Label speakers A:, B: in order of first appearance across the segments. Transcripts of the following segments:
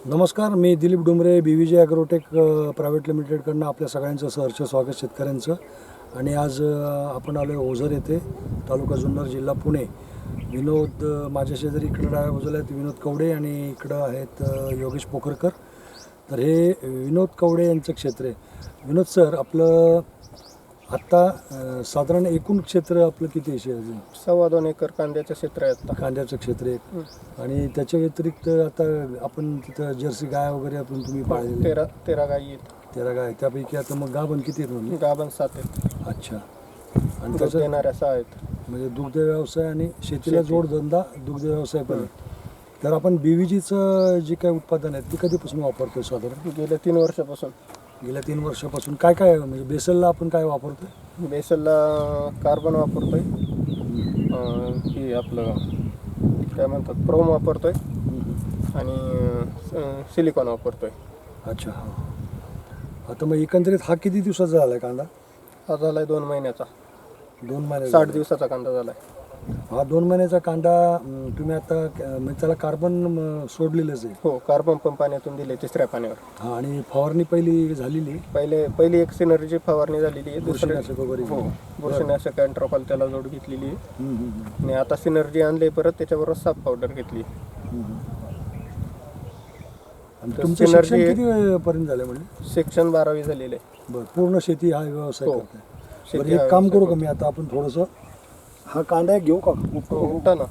A: नमस्कार, मी Dilip Dumre, BVJ agrotech private लिमिटेडकडनं आपल्या सगळ्यांचं सहर्ष स्वागत शेतकऱ्यांचं. आणि आज आपण आलो आहे ओझर येथे, तालुका जुन्नर, जिल्हा पुणे. विनोद माझ्या शेजारी इकडं डाव्या बाजूला आहेत विनोद कवडे आणि इकडं आहेत योगेश पोखरकर. तर हे विनोद कवडे यांचं क्षेत्र आहे. विनोद सर, आपलं आत्ता साधारण एकूण क्षेत्र आपलं किती आहे अजून?
B: 2.25 एकर कांद्याचं क्षेत्र आहे आता.
A: कांद्याचं क्षेत्र आहे. आणि त्याच्या व्यतिरिक्त आता आपण तिथं जर्सी गाय वगैरे आपण तुम्ही पाळलेले
B: 13 गायी आहेत.
A: 13 गाय. त्यापैकी आता मग गाभण किती आहेत म्हणजे?
B: गाभण 7 आहेत.
A: अच्छा. आणि
B: दूध
A: त्याचं
B: देणाऱ्या 6 आहेत.
A: म्हणजे दुग्ध व्यवसाय आणि शेतीला जोडधंदा दुग्ध व्यवसाय पण आहे. तर आपण BVGचं जे काही उत्पादन आहे ते कधीपासून वापरतोय साधारण?
B: गेल्या 3 वर्षापासून.
A: गेल्या 3 वर्षापासून काय काय म्हणजे बेसलला आपण काय वापरतोय?
B: बेसलला कार्बन वापरतोय, ही आपलं काय म्हणतात प्रोम वापरतोय आणि सिलिकॉन वापरतोय.
A: अच्छा. हां. आता मग एकंदरीत हा किती दिवसाचा झाला आहे कांदा?
B: हा झालाय 2 महिन्याचा.
A: 2 महिने.
B: 60 दिवसाचा कांदा झालाय
A: हा 2 महिन्याचा कांदा. तुम्ही आता म्हणजे त्याला कार्बन सोडलेलंच आहे?
B: हो, कार्बन पण पाण्यातून दिले 3ऱ्या पाण्यावर.
A: हा. आणि फवारणी पहिली झालेली?
B: पहिली एक सिनर्जी फवारणी झालेली आहे.
A: बुरशीनाशक वगैरे?
B: हो, बुरशीनाशक अँट्रोपाल त्याला जोड घेतलेली आहे. आणि आता सिनर्जी आणले परत त्याच्याबरोबर साप पावडर घेतली.
A: तुमचं शिक्षण किती पर्यंत झालं म्हणजे?
B: शिक्षण 12वी झालेलं आहे.
A: बरं. पूर्ण शेती हा व्यवसाय
B: हो.
A: करताय?
B: शेती
A: बरं, एक काम करू का मी आता आपण थोडंसं हा कांदा घेऊ का?
B: उठा ना.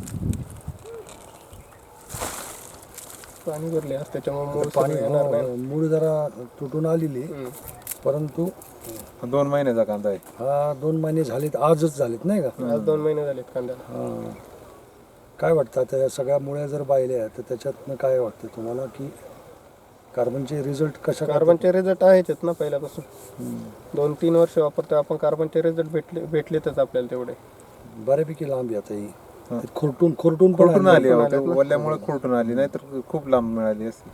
B: पाणी भरले आज त्याच्यामुळे
A: पाणी मूळ जरा तुटून आलेली, परंतु
C: 2 महिन्याचा कांदा आहे
A: हा. 2 महिने झालेत, आजच झालेत नाही का?
B: आज 2 महिने झालेत कांद्याला.
A: हां. काय वाटतं आता या सगळ्या मुळ्या जर पाहिल्या तर त्याच्यातनं काय वाटतं तुम्हाला की कार्बनचे रिझल्ट कशा?
B: कार्बनचे रिझल्ट आहेच ना पहिल्यापासून. 2-3 वर्ष वापरतोय आपण. कार्बनचे रिझल्ट भेटलेतच आपल्याला तेवढे.
A: बऱ्यापैकी लांब आहे आता ही.
C: हां.
A: खुरटून
C: खुरटून आली ओल्यामुळे खुरटून आली, नाहीतर खूप लांब मिळाली असती.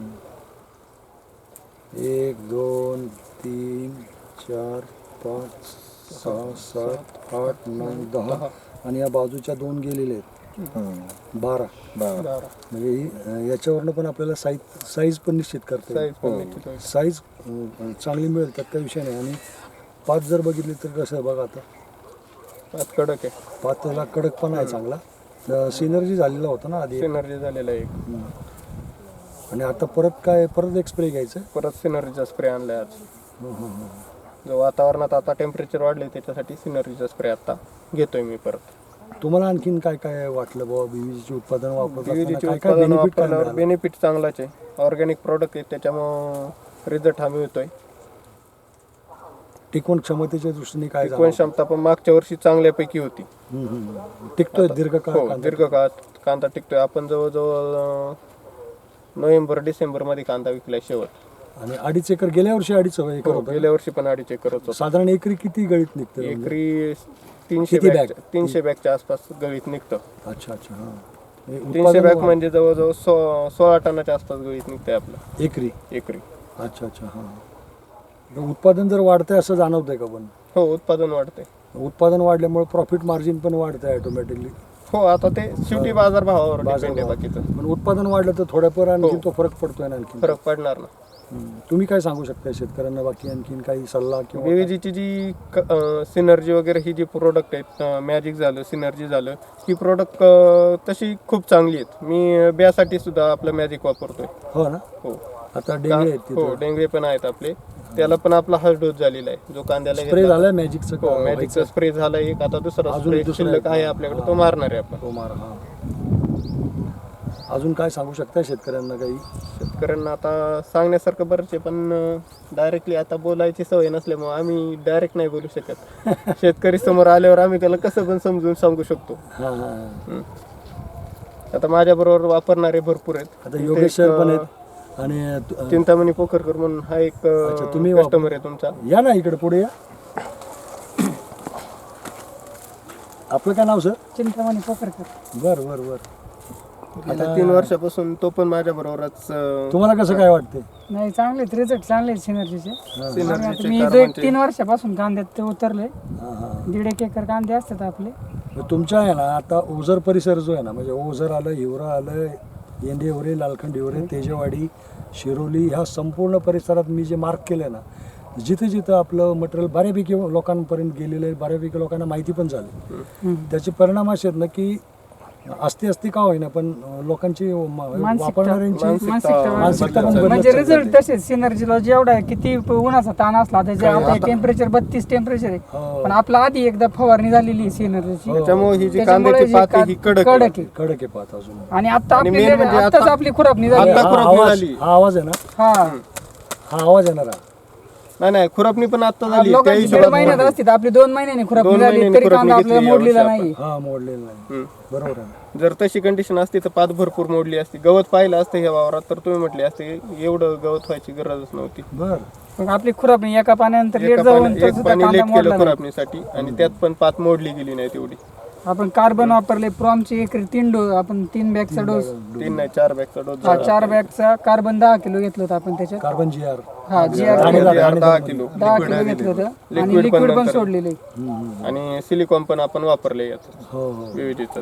A: 1 2 3 4 5 6 7 8 9 10 आणि या बाजूच्या 2 गेलेले आहेत. 12. म्हणजे ही याच्यावरनं पण आपल्याला साईज पण निश्चित करता येईल. साईज चांगली मिळेल, त्यात काही विषय नाही. आणि 5 जर बघितली तर कसं आहे बघा आता,
B: 5 कडक आहे.
A: 5 त्याला कडक पण आहे चांगला. सिनर्जी झालेला होता ना आधी?
B: सिनर्जी झालेला एक.
A: आणि आता परत एक स्प्रे घ्यायचं?
B: परत सिनर्जीचा स्प्रे आणलाय आज. जो वातावरणात आता टेम्परेचर वाढले त्याच्यासाठी सिनर्जीचा स्प्रे आता घेतोय मी परत.
A: तुम्हाला आणखीन काय काय वाटलं बाबा BVGचे उत्पादन
B: BVGचे
A: वापरताना?
B: उत्पादन वापरल्यावर बेनिफिट चांगलाच आहे. ऑर्गॅनिक प्रॉडक्ट आहे त्याच्यामुळं रिझल्ट हा मिळतोय.
A: टिकवण क्षमतेच्या दृष्टीने काय
B: टिकवण क्षमता पण मागच्या वर्षी चांगल्यापैकी होती.
A: टिकतोय दीर्घकाळ?
B: हो, दीर्घकाळ कांदा टिकतोय. आपण जवळजवळ नोव्हेंबर-डिसेंबर मध्ये कांदा विकलाय शेवट.
A: आणि 2.5 एकर गेल्या वर्षी 2.5 एकर होतं?
B: गेल्या वर्षी पण 2.5 एकर होतं.
A: साधारण एकरी किती गळीत निघतं?
B: एकरी
A: किती
B: 300 बॅगच्या आसपास गळीत निघतं.
A: अच्छा. हां.
B: 300 बॅग म्हणजे जवळजवळ 16 टनाच्या आसपास गळीत निघतंय आपलं
A: एकरी?
B: एकरी.
A: अच्छा. हां. उत्पादन जर वाढतंय असं जाणवतंय का पण?
B: हो, उत्पादन वाढतंय.
A: उत्पादन वाढल्यामुळे प्रॉफिट मार्जिन पण वाढतंय ऑटोमॅटिकली?
B: हो, आता ते शेवटी बाजारभावावर डिपेंड आहे बाकीचं.
A: पण उत्पादन वाढलं तर थोड्याफार आणखी तो फरक पडतोय ना आणखी?
B: फरक पडणार ना.
A: तुम्ही काय सांगू शकता शेतकऱ्यांना बाकी आणखीन काही सल्ला किंवा?
B: BVGची जी सिनर्जी वगैरे ही जी प्रोडक्ट आहेत, मॅजिक झालं, सिनर्जी झालं, ही प्रोडक्ट तशी खूप चांगली आहेत. मी ब्यासाठी सुद्धा आपलं मॅजिक वापरतोय.
A: हो ना?
B: हो.
A: आता डेंगळे आहेत
B: हो, डेंगळे पण आहेत आपले. त्याला पण आपला हा डोस झालेला आहे जो कांद्याला
A: स्प्रे झालाय मॅजिकचा?
B: हो, मॅजिकचा स्प्रे झाला एक. आता दुसरा स्प्रे शिल्लक आहे आपल्याकडे, तो मारणार आहे आपण.
A: तो मार. हां. अजून काय सांगू शकता शेतकऱ्यांना काही?
B: शेतकऱ्यांना आता सांगण्यासारखं बरंच आहे, पण डायरेक्टली आता बोलायची सवय नसल्यामुळे आम्ही डायरेक्ट नाही बोलू शकत. शेतकरी समोर आल्यावर आम्ही त्याला कसं पण समजून सांगू शकतो. आता माझ्याबरोबर वापरणारे भरपूर आहेत.
A: आता योगेश सर पण आहेत आणि
B: चिंतामणी पोखरकर म्हणून हा एक
A: तुम्ही
B: कस्टमर आहे तुमचा.
A: या ना इकडे पुढे या. आपलं काय नाव सर?
D: चिंतामणी पोखरकर.
A: बरं.
B: गेल्या 3 वर्षापासून तो पण माझ्या बरोबरच.
A: तुम्हाला कसं काय वाटते?
D: नाही, चांगले रिझल्ट चांगले सिनर्जीचे.
B: सिनर्जीचे
D: मी 3 वर्षापासून कांद्यात ते उतरले. 1.5 एकर कांदे असतात आपले.
A: तुमच्या आहे ना आता ओझर परिसर जो आहे ना, म्हणजे ओझर आलं, हिवरा आलं, येंडेवरे, लालखंडीवरे, तेजेवाडी, शिरोली ह्या संपूर्ण परिसरात मी जे मार्क केलं ना, जिथे जिथं आपलं मटेरियल बऱ्यापैकी लोकांपर्यंत गेलेलं आहे, बऱ्यापैकी लोकांना माहिती पण झाली. त्याचे परिणाम असे आहेत ना की असती का होईना पण लोकांची वापरणाऱ्यांची मानसिकता पण बदलत
D: म्हणजे
A: चालली
D: रिझल्ट
A: आहे.
D: तसेच सिनर्जीला जेवढा आहे, किती उन्हाचा ताण असला त्याच्या आता टेम्परेचर 32 टेम्परेचर आहे,
A: हो.
D: पण आपला आधी एकदा फवारणी झालेली आहे सिनर्जीची,
B: त्याच्यामुळे ही जी
D: त्याच्यामुळे
B: कांद्याची
D: जी
B: पाती ही कडक आहे.
D: कडक आहे.
A: कडक आहे पाहत अजून.
D: आणि आता
B: आणि
D: आपली
B: main म्हणजे
D: आताच
B: आता-
D: आपली खुरापणी झाली.
B: आता
A: हा
B: खुरपणी
A: आवाज
B: झाली.
A: हा आवाज आहे ना,
D: हा
A: हा आवाज येणार आहे.
B: नाही खुरपणी पण आता झाली त्या
D: लोकांची दीड
B: हिशोबात
D: महिन्यात
B: मोडली.
D: असती तर आपली 2 महिन्यांनी खुरापणी
B: दोन
D: झाली
B: महिन्यांनी
D: तरी
B: खुरापणी
D: कांदा आपल्याला
B: घेतली
D: मोडलेला
B: यावर्षी
D: नाही.
A: हा मोडलेलं नाही.
B: हम्म.
A: बरोबर आहे.
B: जर तशी कंडिशन असती तर पात भरपूर मोडली असती. गवत पाहिलं असतं ह्या वावरात तर तुम्ही म्हटले असते एवढं गवत व्हायची गरजच नव्हती.
A: बर
D: मग आपली खुरापणी एका पाण्यानंतर लेट
B: एका
D: जाऊन
B: पाणी-
D: तर
B: एक
D: सुद्धा
B: पाणी
D: कांदा
B: लेट
D: मोडला
B: केलं
D: नाही.
B: खुरापणीसाठी आणि त्यात पण पात मोडली गेली नाही तेवढी.
D: आपण कार्बन वापरले, प्रॉमची एकरी 3 डोस, आपण 3 बॅगचा डोस,
B: 3 नाही 4 बॅगचा डोस
D: 4 बॅगचा कार्बन 10 किलो घेतलं होतं आपण त्याच्यात.
A: Carbon GR.
D: हा GR
A: आणि
B: 10 किलो
D: 10 किलो घेतलं होतं आणि
B: Liquid पण
D: लिक्विड पण
B: नंतर.
D: सोडलेले.
B: आणि सिलिकॉन पण आपण वापरले याच
A: हो हो
B: विविधच.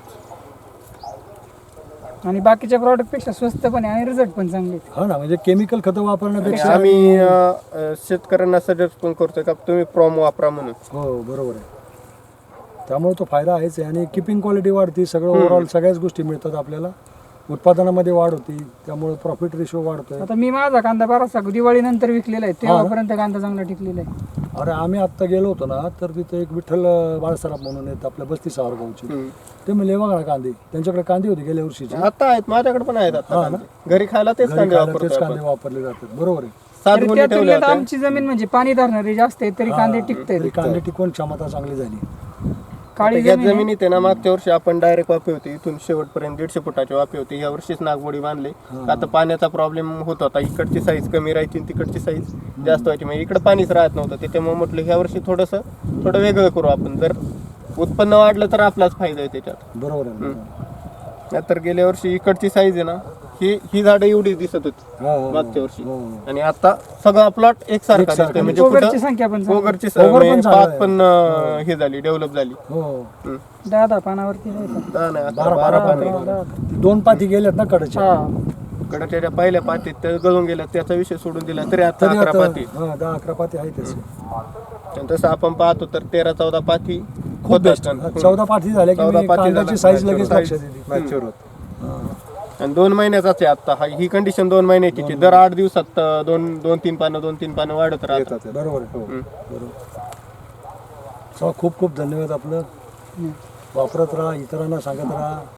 D: आणि बाकीच्या प्रॉडक्ट पेक्षा स्वस्त पण आहे आणि रिझल्ट पण चांगले आहेत.
A: हा ना, म्हणजे केमिकल खतं
B: आणि
A: वापरण्यापेक्षा
B: आम्ही शेतकऱ्यांना सजेस्ट पण करतोय का तुम्ही प्रॉम वापरा म्हणून.
A: हो बरोबर आहे. त्यामुळे तो फायदा आहेच आहे. आणि किपिंग क्वालिटी वाढते, सगळं ओव्हरऑल सगळ्याच गोष्टी मिळतात आपल्याला, उत्पादनामध्ये वाढ होती, त्यामुळे प्रॉफिट रेशो वाढतोय.
D: आता मी माझा कांदा बराचसा दिवाळीनंतर विकलेला आहे, तेव्हापर्यंत कांदा चांगला टिकलेला आहे.
A: अरे आम्ही आत्ता गेलो होतो ना, तर तिथे एक विठ्ठल बाळसराफ म्हणून आहेत आपल्या बस्ती सावरगावची. ते म्हणले बघा ना कांदे, त्यांच्याकडे कांदे होते गेल्या वर्षीचे.
B: आता आहेत माझ्याकडे पण आहेत आता कांदे. घरी खायला तेच
A: घरी
B: कांदे
A: खायला तेच
B: वापरतो
A: कांदे वापरले जातात. बरोबर आहे.
B: 7
D: तरी
B: गोणी
D: त्या
B: ठेवल्या
D: तुलनेत
B: होत्या.
D: आमची जमीन म्हणजे पाणी धरणारी जास्त आहे तरी कांदे टिकतायत.
A: तरी कांदे टिकवून क्षमता चांगली झाली.
D: काळी
B: या
D: जमीन आहे.
B: जमिनीत आहे ना, मागच्या वर्षी आपण डायरेक्ट वाफे होते इथून शेवटपर्यंत 150 फुटाची वाफे होती. या वर्षीच नागमोडी बांधले. आता पाण्याचा प्रॉब्लेम होत होता, इकडची साईज कमी राहायची आणि तिकडची साईज जास्त व्हायची, म्हणजे इकडे पाणीच राहत नव्हतं. त्याच्यामुळे म्हटलं ह्या वर्षी थोडं वेगळं करू आपण. जर उत्पन्न वाढलं तर आपलाच फायदा आहे त्याच्यात.
A: बरोबर आहे.
B: नाहीतर गेल्या वर्षी इकडची साईज आहे ना, ही झाडं एवढी दिसत होती
A: हो, हो,
B: मागच्या वर्षी,
A: हो.
B: आणि आता सगळा प्लॉट एकसारखा दिसतोय. म्हणजे
D: गोगरची
B: कुठं
D: संख्या पण चांगली.
B: गोगरची
A: गोगर पण
B: म्हणजे
A: झाडं
B: पात पण हे झाली, डेव्हलप झाली.
A: हो
D: 10 पानावरती नाही का?
B: 10 नाही
A: 12
B: 12
A: पाणी. ती 2 पाती गेल्यात ना कडच्या.
D: हा
B: कडच्या पहिल्या पातीत त्या गळून गेल्या, त्याचा विषय सोडून दिला तरी आता
A: तरी
B: 11
A: आता
B: पाती.
A: 10-11 पाती आहे त्याचे.
B: आणि तसं आपण पाहतो तर 13-14 पाती
A: खूप
B: होत
A: बेस्ट.
B: असतात.
A: 14 पाती झाल्या की
B: 14
A: मी
B: पाती
A: कांद्याची
B: झाल्या.
A: साईज लगेच लक्षात येते.
C: मॅच्युअर होत.
B: आणि 2 महिन्याचाच आहे आता ही कंडिशन. 2 महिन्याची आहे. दर 8 दिवसात 2-3 पानं वाढत राहतात.
C: येतात.
A: बरोबर आहे. बरोबर. चला खूप खूप धन्यवाद आपलं. वापरत राहा, इतरांना सांगत राहा.